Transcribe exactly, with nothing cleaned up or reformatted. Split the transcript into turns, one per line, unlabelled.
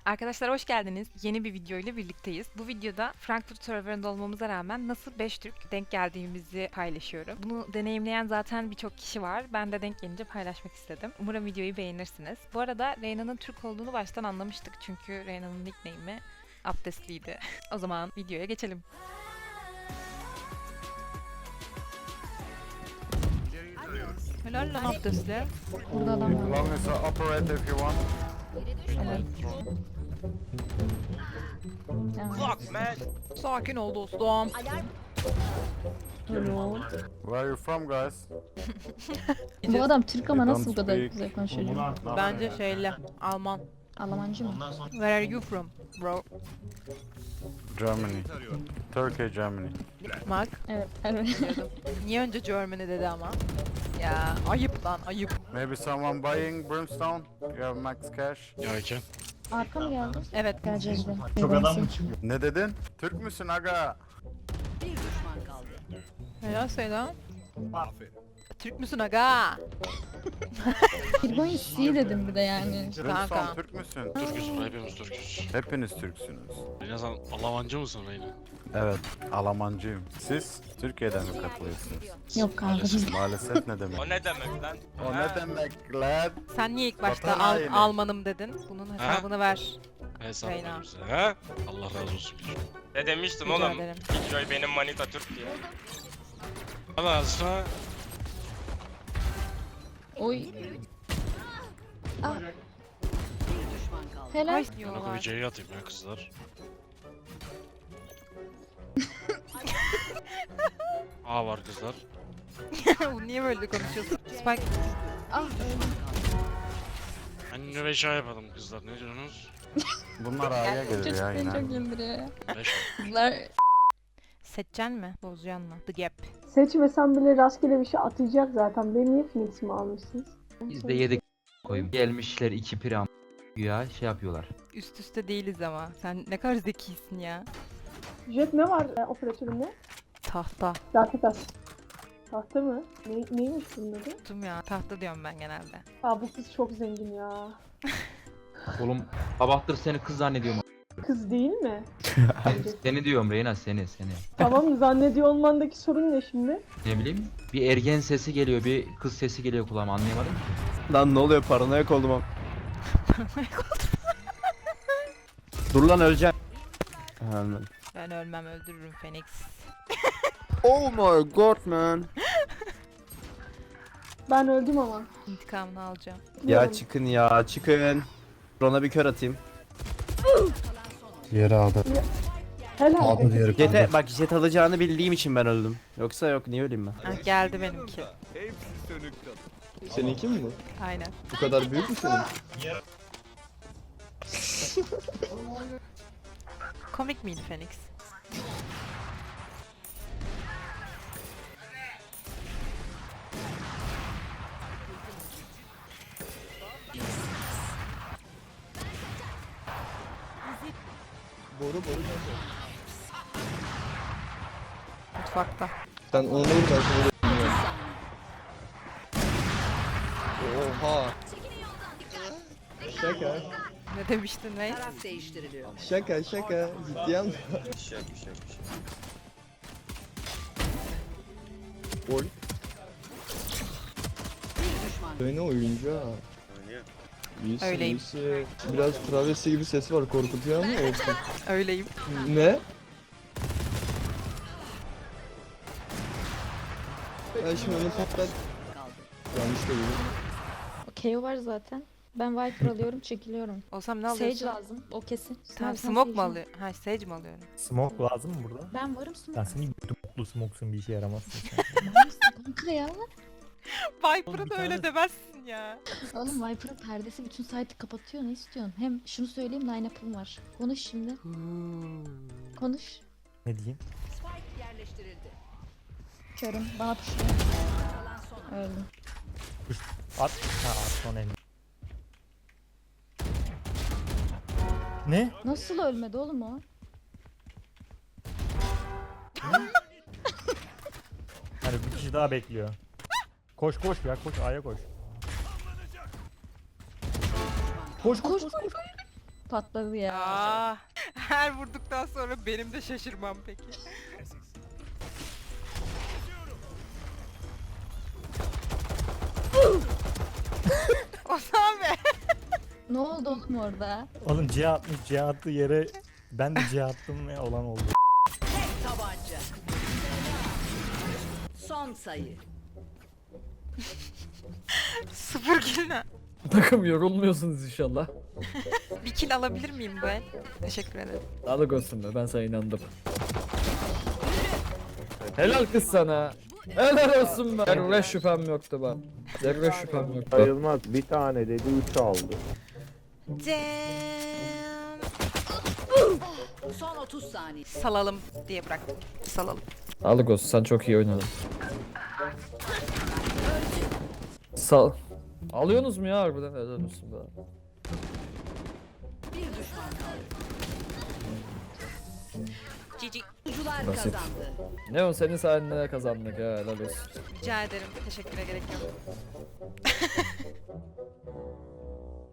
Arkadaşlar hoş geldiniz. Yeni bir video ile birlikteyiz. Bu videoda Frankfurt serverında olmamıza rağmen nasıl beş Türk denk geldiğimizi paylaşıyorum. Bunu deneyimleyen zaten birçok kişi var. Ben de denk gelince paylaşmak istedim. Umarım videoyu beğenirsiniz. Bu arada Reyna'nın Türk olduğunu baştan anlamıştık. Çünkü Reyna'nın nickname'i abdestliydi. O zaman videoya geçelim. Helal lan abdestli.
Burada adam var.
Long as I operate if you want.
Evet.
Fuck man.
Sakin ol dostum.
Hello.
Where are you from, guys?
Bu adam Türk ama
They
nasıl bu
don't
kadar
speak.
güzel konuşuyor?
Bence şeyle Alman.
Almancı mı?
Where are you from, bro?
Germany. Turkey, Germany.
Mark.
Evet. Evet.
Biliyordum. Niye önce Germany dedi ama? Ya ayıp lan ayıp.
Maybe someone buying Brimstone? You have max cash?
Ya Eke.
Arka mı geldi?
Evet.
Geleceğiz de.
Çok adam mı çıkıyor?
Ne dedin? Türk müsün aga?
Helal selam. Türk müsün aga?
Kirgo'yu C dedim bir de yani.
Brimstone
Kanka.
Türk müsün?
Türküz, hepimiz Türküz.
Hepiniz Türksünüz.
Reyna sen Almancı mısın Reyna?
Evet, Almancıyım. Siz Türkiye'den mi katılıyorsunuz?
Yok kanka biz
Maalesef ne demek?
O ne demek lan?
O
Ha?
ne demek lan?
Sen niye ilk başta
Vatan
Al-
haini.
Almanım dedin? Bunun hesabını ver.
Hesap
Reyna.
ver bize, he? Allah razı olsun.
Ne demiştim
Rica
oğlum?
ederim.
Joy benim manita Türk diye.
Allah sonra
oy. Ah. Helal.
Ay
ben o
diyorlar.
C'yi atayım ya kızlar. A var kızlar.
Bu niye böyle konuşuyorsun? Spike.
Ah öldüm.
Anne beş A yapalım kızlar, ne diyorsunuz?
Bunlar A'ya gelir
Çocuk
ya
beni
yine.
çok güldürüyor ya.
beş
Kızlar
Seçeceksin mi? Bozacaksın mı? The Gap.
Seçmesem bile rastgele bir şey atacak zaten. Beni niye Phoenix'imi almışsınız?
Biz de yedik koyayım. Gelmişler iki pram ya şey yapıyorlar.
Üst üste değiliz ama. Sen ne kadar zekisin ya.
Jet ne var e, operatöründe?
Tahta.
Data taş. Tahta mı? Ne, neymiş bunun adı?
Tuttum ya. Tahta diyorum ben genelde.
Aa bu kız çok zengin ya.
Oğlum sabahtır seni kız zannediyorum.
Kız değil mi?
Seni diyorum Reyna, seni seni.
Tamam zannediyor olmandaki sorun ne şimdi?
Ne bileyim, bir ergen sesi geliyor, bir kız sesi geliyor kulağıma, anlayamadım ki.
Lan ne oluyor, paranoyak oldum am. Dur lan öleceğim. Ha, ölmedim.
Ben ölmem öldürürüm Phoenix.
Oh my god man.
Ben öldüm ama.
İntikamını alacağım.
Ya
Biliyorum.
çıkın ya çıkın. Ona bir kör atayım.
Yere aldı.
Helal.
Aldı diğeri.
Jet'e bak, jet alacağını bildiğim için ben öldüm. Yoksa yok, niye öleyim ben?
Heh, geldi benimki.
Seninki mi bu?
Aynen.
Bu kadar büyük mü senin?
Komik miydi Phoenix?
Boru boru.
Mutfakta.
Sen onu vur, ben seni vurayım. Oha. Şaka.
Ne demiştin Reis?
Şaka şaka. Ciddi anlamda. Oy. Böyle oyuncu ha. İyisin,
Öyleyim.
iyisin. Biraz travesti gibi sesi var, korkutuyor ama olsun.
Öyleyim.
Ne? Ben şimdi onu patlat. Yanlış söyledim.
K O var zaten. Ben Viper alıyorum, çekiliyorum.
Olsam ne
Sage
alıyorsun?
lazım. O kesin.
Tamam,
Sen- sen
smoke mu
Sage'i-
alıyor? Ha, Sage mi alıyorum?
Smoke lazım mı burada?
Ben varım smoke.
Ben senin gibi mutlu smoke'sun, bir işe yaramazsın sen.
Var mısın kanka ya?
Viper'a
bir
da öyle
tane-
demezsin ya.
Oğlum Viper'ın perdesi bütün site'ı kapatıyor, ne istiyorsun? Hem şunu söyleyeyim, line-up'ım var. Konuş şimdi. Konuş.
Ne diyeyim?
Körüm, bana pişiyor. Öldüm.
At. Ha at son elini. Ne?
Nasıl ölmedi oğlum o?
Hani bir kişi daha bekliyor. Koş koş ya, koş A'ya koş. Koş koş
Koş
koş.
koş. Patladı ya.
Aa, her vurduktan sonra benim de şaşırmam peki. Ozan be.
Ne oldu oğlum orada?
Oğlum C atmış, C attığı yere ben de C attım ve olan oldu.
Tabanca. Son sayı.
Sıfır kill ne?
Takım yorulmuyorsunuz inşallah.
Bir kill alabilir miyim bu el? Teşekkür ederim.
Sağlık olsun be, ben sana inandım. Helal kız sana. Helal olsun be. Zerre şüphem yoktu bak. Zerre şüphem yoktu.
Sayılmaz. Bir tane dedi, üç aldı.
Cem.
Son otuz saniye.
Salalım diye bıraktım. Salalım.
Sağlık olsun, sen çok iyi oynadın. Sağ... Alıyorsunuz mu ya harbiden? Helal olsun be.
Bir düşman kaldı.
Cici.
Oyuncular
Basit.
kazandı.
Ne o senin sayende kazandık ya, helal olsun.
Rica ederim. Teşekküre gerek yok.